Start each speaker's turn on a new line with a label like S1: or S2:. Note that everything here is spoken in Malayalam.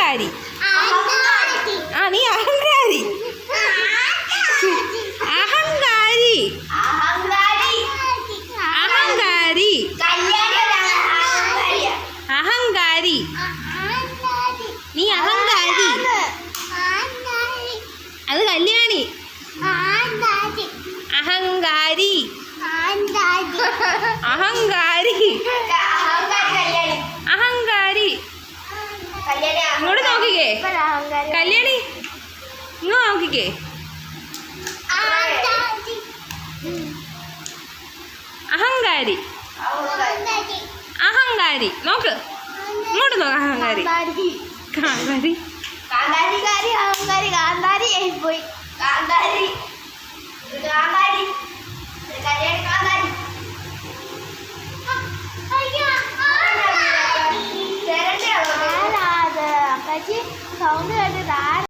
S1: അഹങ്കാരി. ആ നീ അഹങ്കാരി. അഹങ്കാരി. അഹങ്കാരി. അഹങ്കാരി. നീ അഹങ്കാരി. അത് കല്യാണി. അഹങ്കാരി. അഹങ്കാരി. അഹങ്കാരി. ഇങ്ങോട്ട് നോക്കിക്കേ കല്യാണി, ഇങ്ങോട്ട് നോക്കിക്കേ. അഹങ്കാരി. അഹങ്കാരി. നോക്ക് ഇങ്ങോട്ട് നോക്ക്. അഹങ്കാരി. കാന്താരി.
S2: പോയി കാന്താരി. കാന്താരി. കാന്താരി. സൗണ്ട് കേട്ടിട്ട്